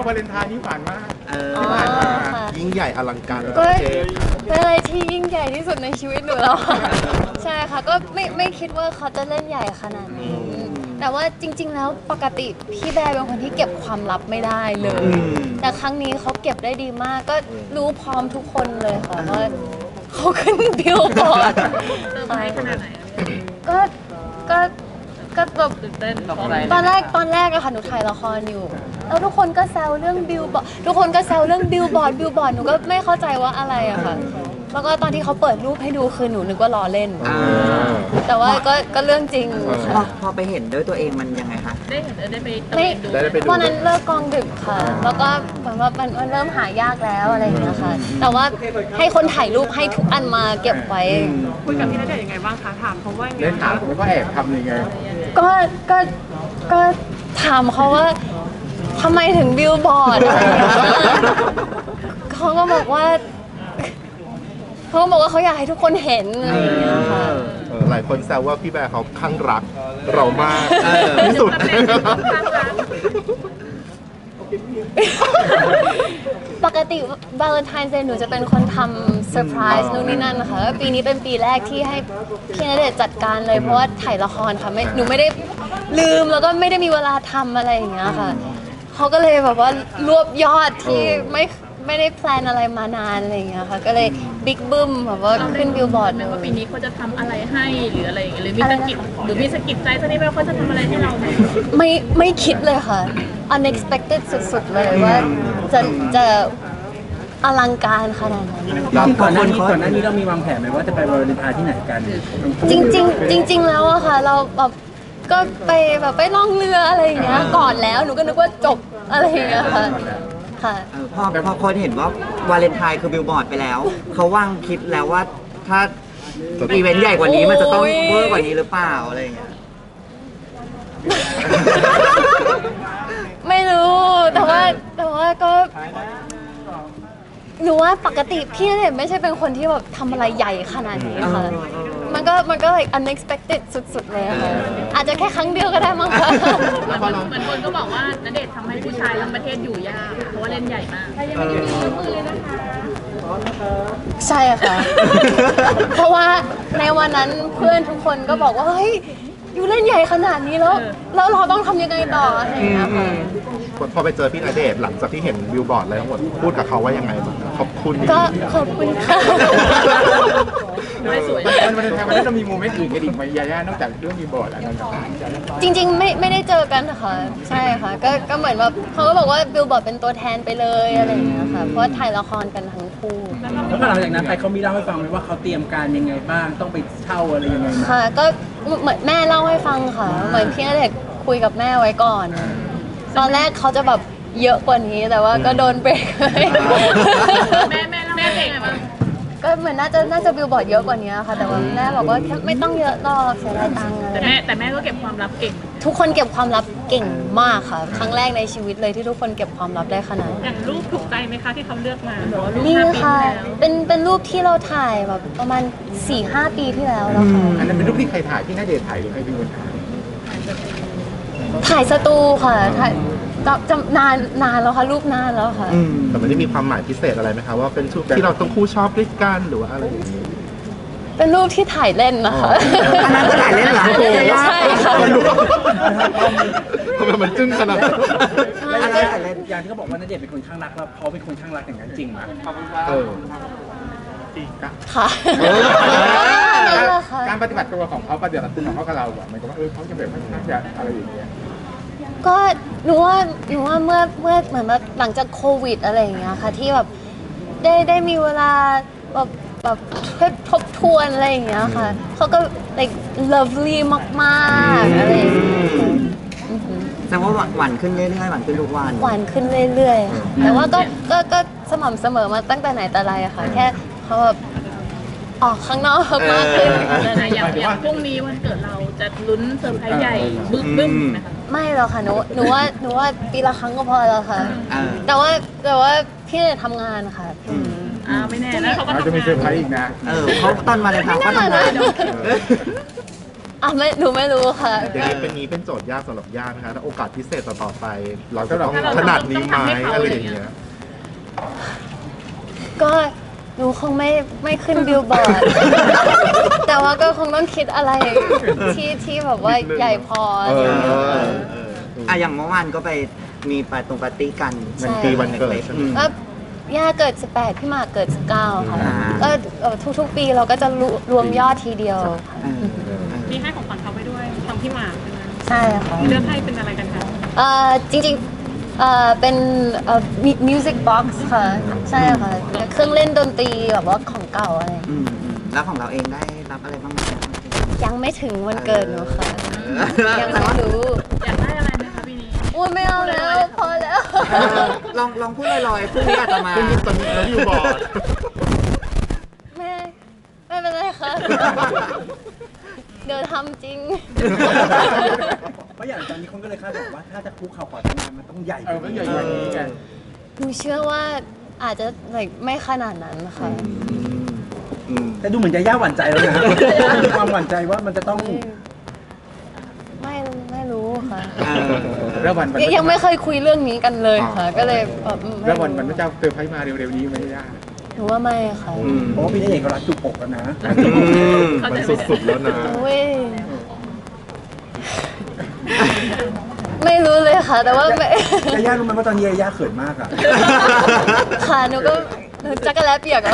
วาเลนไทน์นี่ผ่านมากอ๋อค่ะยิ่งใหญ่อลังการระดัก็บประเทศเป็นอะไรที่ยิ่งใหญ่ที่สุดในชีวิตหนูแล้วค่ะใช่ค่ะก็ไม่คิดว่าเขาจะเล่นใหญ่ขนาดนี้แต่ว่าจริง ๆ แล้วปกติพี่แบร์เป็นคนที่เก็บความลับไม่ได้เลย แต่ครั้งนี้เขาเก็บได้ดีมากก็รู้พร้อมทุกคนเลยค่ะว่าเขาขึ้นบิลบอร์ดไปขนาดไหนก็ก็ก็แบบตื่นเต้นตอนแรกอะค่ะหนูถ่ายละครอยู่แล้วทุกคนก็แซวเรื่องบิลบอร์ดทุกคนก็แซวเรื่องบิลบอร์ดหนูก็ไม่เข้าใจว่าอะไรอะค่ะแล้วก็ตอนที่เขาเปิดรูปให้ดูคือหนูนึกว่าล้อเล่น แต่ว่าก็เรื่องจริงค่ะพอไปเห็นด้วยตัวเองมันยังไงคะได้เห็นได้ไปตะไม่เวนดูได้ไปดูวันนั้นเลิกกองดึกค่ะ แล้วก็เหมือนว่ามันเริ่มหายากแล้วอะไรอย่างเงี้ยค่ะ แต่ว่าให้คนถ่ายรูปให้ทุกอันมาเก็บไว้คุยกับพี่ณเดชน์ยังไงบ้างคะถามเขาว่ายังไงเล่นถามผมก็แอบทำยังไงก็ถามเขาว่าทำไมถึงบิลบอร์ดอะไรอย่างเงี้ยเขาก็บอกว่าเขาอยากให้ทุกคนเห็นอะไรอย่างเงี้ยค่ะหลายคนแซวว่าพี่แบร์เขาข้างรักเรามากที่สุดปกติวาเลนไทน์เดย์หนูจะเป็นคนทำเซอร์ไพรส์นู่นนี่นั่นนะคะปีนี้เป็นปีแรกที่ให้พี่ณเดชน์จัดการเลยเพราะว่าถ่ายละครค่ะหนูไม่ได้ลืมแล้วก็ไม่ได้มีเวลาทำอะไรอย่างเงี้ยค่ะเขาก็เลยแบบว่ารวบยอดที่ไม่ได้แพลนอะไรมานานอะไรอย่างเงี้ยค่ะก็เลยบิ๊กบึ้มแบบว่าขึ้นบิลบอร์ดไหมเลยว่าปีนี้เขาจะทำอะไรให้หรืออะไรอย่างเงี้ยหรือมีสะกิดใจสักนิดไหมว่าเขาจะทำอะไรให้เราไหมไม่คิดเลยค่ะ unexpected สุดๆเลยว่าจะอลังการขนาดนั้นก่อนหน้านี้เรามีวางแผนไหมว่าจะไปวาเลนไทน์ที่ไหนกันจริงๆแล้วอะค่ะเราแบบก็ไปล่องเรืออะไรอย่างเงี้ยก่อนแล้วหนูก็นึกว่าจบอะไรอย่างเงี้ยค่ะค่ะพอคนเห็นว่าวาเลนไทน์คือบิลบอร์ดไปแล้ว เขาว่างคิดแล้วว่าถ้าอีเวนต์ใหญ่กว่านี้มันจะต้องเวอร์กว่านี้หรือเปล่าอะไรอย่างเงี้ยไม่รู้แต่ว่าก็หนูว่าปกติพี่เนี่ยไม่ใช่เป็นคนที่แบบทำอะไรใหญ่ขนาดนี้ค่ะมันก็ like unexpected สุดๆเลยอะค่ะอาจจะแค่ครั้งเดียวก็ได้มั้งคะเหมือนคนก็บอกว่าณเดชน์ทำให้ผู้ชายทั้งประเทศอยู่ยากเพราะว่าเล่นใหญ่มากใช่ค่ะ เพราะว่าในวันนั้นเพื่อนทุกคนก็บอกว่าเฮ้ยอยู่เล่นใหญ่ขนาดนี้แล้วเราต้องทำยังไงต่ออะไรอย่างเงี้ยค่ะพอไปเจอพี่ณเดชน์หลังจากที่เห็นบิลบอร์ดอะไรทั้งหมดพูดกับเขาว่ายังไงบ้างขอบคุณก็ขอบคุณค่ะไม่สวยมันจะมีโมเมนต์อื่นกันอีกไหมยาย่านอกจากเรื่องมีบอร์ดอะไรต่างๆจริงๆไม่ได้เจอกันค่ะใช่ค่ะก็เหมือนแบบเขาก็บอกว่าบิลบอร์ดเป็นตัวแทนไปเลยอะไรอย่างเงี้ยค่ะเพราะว่าถ่ายละครกันทั้งคู่แล้วพอหลังจากนั้นไปเขามีเล่าให้ฟังไหมว่าเขาเตรียมการยังไงบ้างต้องไปเช่าอะไรยังไงมาค่ะก็เหมือนแม่เล่าให้ฟังค่ะเหมือนพี่ณเดชน์คุยกับแม่ไว้ก่อน ตอนแรกเขาจะแบบเยอะกว่านี้แต่ว่าก็โดนเบรกเลยแม่เองไงบ้างก็เหมือนน่าจะบิลบอร์ดเยอะกว่านี้ค่ะ แต่ว่าแม่บอกว่าแค่ไม่ต้องเยอะหรอกเสียดายตังค์อะไรแต่แม่ก็เก็บความลับเก่งทุกคนเก็บความลับเก่งมากค่ะ ครั้งแรกในชีวิตเลยที่ทุกคนเก็บความลับได้ขนาดนี้อย่างรูปถูกใจไหมคะที่เขาเลือกมาบอกว่ารูปนี่ 5 ปีค่ะแล้วเป็นรูปที่เราถ่ายแบบประมาณ 4-5 ปีที่แล้วค่ะอันนั้นเป็นรูปที่ใครถ่ายที่ณเดชน์ถ่ายหรือใครเป็นคนถ่ายถ่ายสตูค่ะถ่ายจำนานแล้วค่ะรูปนานแล้วค่ะแต่มันได้มีความหมายพิเศษอะไรไหมคะว่าเป็นชุดที่เราต้องคู่ชอบด้วยกันหรือว่าอะไรอย่างนี้เป็นรูปที่ถ่ายเล่นนะคะอันนั้นก็ถ่ายเล่นเหรอใช่ค่ะทำไมมันจึ้งขนาดนั้นแล้วอย่างที่เขาบอกว่าณเดชน์เป็นคนข้างรักแล้วเขาเป็นคนข้างรักอย่างนั้นจริงไหมเออค่ะ นั่นแหละค่ะการปฏิบัติตัวของเขาปฏิบัติตัวของเขากับเราอะมันก็ว่าเขาจะแบบค่อนข้างจะอะไรอย่างเงี้ยก็หนูว่าเมื่อเหมือนแบบหลังจากโควิดอะไรอย่างเงี้ยค่ะที่แบบได้มีเวลาแบบทบทวนอะไรอย่างเงี้ยค่ะเขาก็ like lovely มากๆอะไรอย่างเงี้ยค่ะอือหือแสดงว่าหวานขึ้นเรื่อยๆหวานขึ้นทุกวันหวานขึ้นเรื่อยๆค่ะแต่ว่าก็สม่ำเสมอมาตั้งแต่ไหนแต่ไรอะค่ะ แค่เขาแบบออกข้างนอกมากขึ้นแต่อย่างพรุ่งนี้วันเกิดเราจะลุ้นเซอร์ไพรส์ใหญ่บึ้มๆนะคะไม่หรอกค่ะหนูว่าปีละครั้งก็พอแล้วค่ะอ่าแต่ว่าพี่เนี่ยทำงานค่ะไม่แน่แล้วเขาก็เราจะมีเซอร์ไพรส์อีกนะเขาตอนวาเลนไทน์เขาทำงานไม่หนูไม่รู้ค่ะอย่างนี้เป็นโจทย์ยากสำหรับย่านะคะถ้าโอกาสพิเศษต่อไป เราจะต้องขนาดนี้ไหมอะไรอย่างเงี้ยก็หนูคงไม่ขึ้นบิลบอร์ด แต่ว่าก็คงต้องคิดอะไรที่แบบว่าใหญ่พออะไรอย่างเงี้ยค่ะอย่างเมื่อวานก็ไปมีปาร์ตี้กันมันคือวันเกิดใช่ไหมก็ย่าเกิด 18 พี่หมากเกิด 19 ค่ะอ่าก็ทุกๆปีเราก็จะรวมยอดทีเดียวค่ะมีให้ของขวัญเขาไปด้วยทางพี่หมากใช่ไหมใช่ค่ะเลือกให้เป็นอะไรกันคะจริงๆเป็นมิวสิกบ็อกซ์ค่ะ ใช่ค่ะ เครื่องเล่นดนตรีแบบว่าของเก่าอะไรแล้วของเราเองได้รับอะไรบ้างไหมยังไม่ถึงวันเกิดหนูค่ะ ยังไม่รู้อยากได้อะไรไหมคะปีนี้อุ้ยไม่เอาแล้ว พอแล้วลองพูดลอยๆพรุ่งนี้อาจจะมาคุณตอนนี้เราอยู่บอร์ดไม่เป็นไรค่ะ เดี๋ยวทำจริงเพราะอย่างตอนนี้คนก็เลยคาดหวังว่าถ้าจะคุกเข่าขอแต่งงานมันต้องใหญ่มันใหญ่กว่านี้กันหนูเชื่อว่าอาจจะไม่ขนาดนั้นค่ะแต่ดูเหมือนจะย่าหวั่นใจแล้วนะมีความหวั่นใจว่ามันจะต้องไม่รู้ค่ะแล้ววันยังไม่เคยคุยเรื่องนี้กันเลยค่ะ ก็เลยแบบไม่แล้ววันรู้พระเจ้าเซอร์ไพรส์มาเร็วๆนี้ไหมย่าหนูว่าไม่ค่ะเพราะว่าพี่ณเดชน์เขารักจุกอกแล้วนะมันสุดๆแล้วนะเว้ยไม่รู้เลยค่ะ แต่ว่าไม่แต่ย่ารู้ไหมว่าตอนนี้ย่าเขินมากอ่ะค่ะหนูก็จักรแล้เปียกแล้ว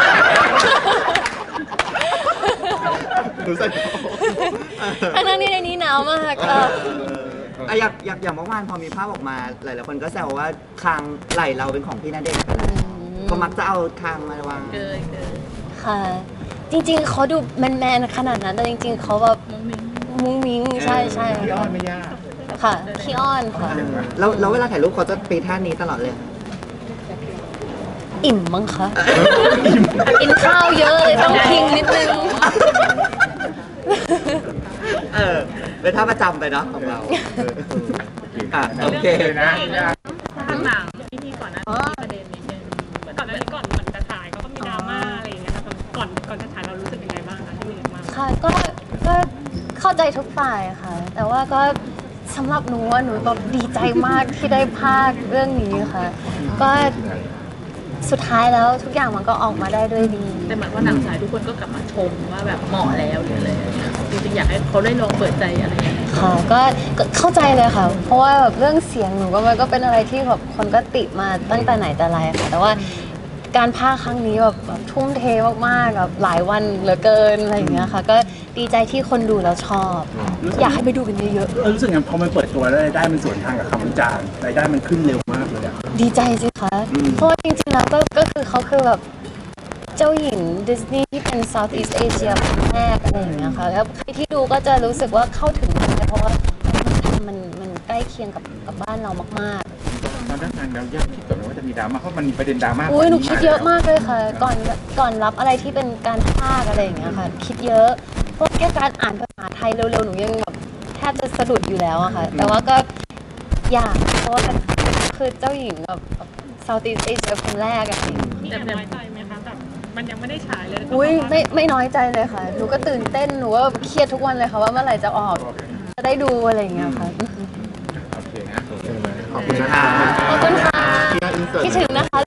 ดูใส่ทั้งที่ในนี้หนาวมากค่ะอย่างเมื่อวานพอมีภาพออกมาหลายๆคนก็แซวว่าคางไหล่เราเป็นของพี่ณเดชน์ไปแล้วเขามักจะเอาคางมาวางเกินค่ะ จริงๆเขาดูแมนๆขนาดนั้นแต่จริงๆเขาแบบมุ้งมิ้งมุ้งมิ้งใช่ใช่พี่อ้อนไม่ย่าค่ะขี้อ้อนค่ะแล้วเวลาถ่ายรูปเขาจะปีท่านี้ตลอดเลยอิ่มมั้งคะกินข้าวเยอะเลยต้องพิงนิดนึงเป็นท่าประจำไปเนาะของเรา โอเคนะย่าทางหนังที่มีก่อนหน้านี้มีประเด็นนิดนึงก่อนหน้านี้ก่อนจะถ่ายเขาก็มีดราม่าอะไรอย่างเงี้ยค่ะก่อนจะถ่ายเรารู้สึกยังไงบ้างคะที่มีดราม่าค่ะก็เข้าใจทุกฝ่ายค่ะ แต่ว่าก็สำหรับหนูว่าหนูแบบดีใจมากที่ได้ภาคเรื่องนี้ค่ะ ก็สุดท้ายแล้วทุกอย่างมันก็ออกมาได้ด้วยดีแต่เหมือนว่าหนังฉายทุกคนก็กลับมาชมว่าแบบเหมาะแล้วหรืออะไรอย่างเงี้ยจริงๆอยากให้เขาได้ลองเปิดใจอะไรอย่างเงี้ยค่ะก็เข้าใจเลยค่ะ เพราะว่าแบบเรื่องเสียงหนูก็มันก็เป็นอะไรที่แบบคนก็ติมาตั้งแต่ไหนแต่ไรค่ะ แต่ว่าการพากย์ครั้งนี้แบบทุ่มเทมากๆแบบหลายวันเหลือเกินอะไรอย่างเงี้ยค่ะ ก็ดีใจที่คนดูแล้วชอบ อยากให้ไปดูกันเยอะรู้สึกไงพอมันเปิดตัวแล้วรายได้มันสวนทางกับคำวิจารณ์รายได้มันขึ้นเร็วมากเลยอ่ะๆดีใจสิคะเพราะว่าจริงๆแล้วก็คือเขาคือแบบเจ้าหญิงดิสนีย์ที่เป็น Southeast Asia คนแรกอะไรอย่างเงี้ยค่ะแล้วใครที่ดูก็จะรู้สึกว่าเข้าถึงได้เพราะว่ามันใกล้เคียงกับบ้านเรามากๆตอนนั้นทางเราย่าคิดก่อนว่าจะมีดราม่าเพราะมันมีประเด็นดราม่าอุ้ยหนูคิดเยอะมากเลยค่ะ ก่อนรับอะไรที่เป็นการพากย์อะไรอย่างเงี้ยค่ะ คิดเยอะเพราะแค่การอ่านภาษาไทยเร็วๆหนูยังแบบแทบจะสะดุดอยู่แล้วอะค่ะ แต่ว่าก็อยากเพราะว่าคือเจ้าหญิงแบบ Southeast Asia คนแรกอะมีแอบน้อยใจไหมคะแบบมันยังไม่ได้ฉายเลยอุ้ยไม่น้อยใจเลยค่ะ หนูก็ตื่นเต้นหนูก็เครียดทุกวันเลยค่ะว่าเมื่อไหร่จะออกจะได้ดูอะไรอย่างเงี้ยค่ะโอเคนะขอบคุณนะคะขอบคุณค่ะที่อินเสิร์ตคิดถึงนะคะ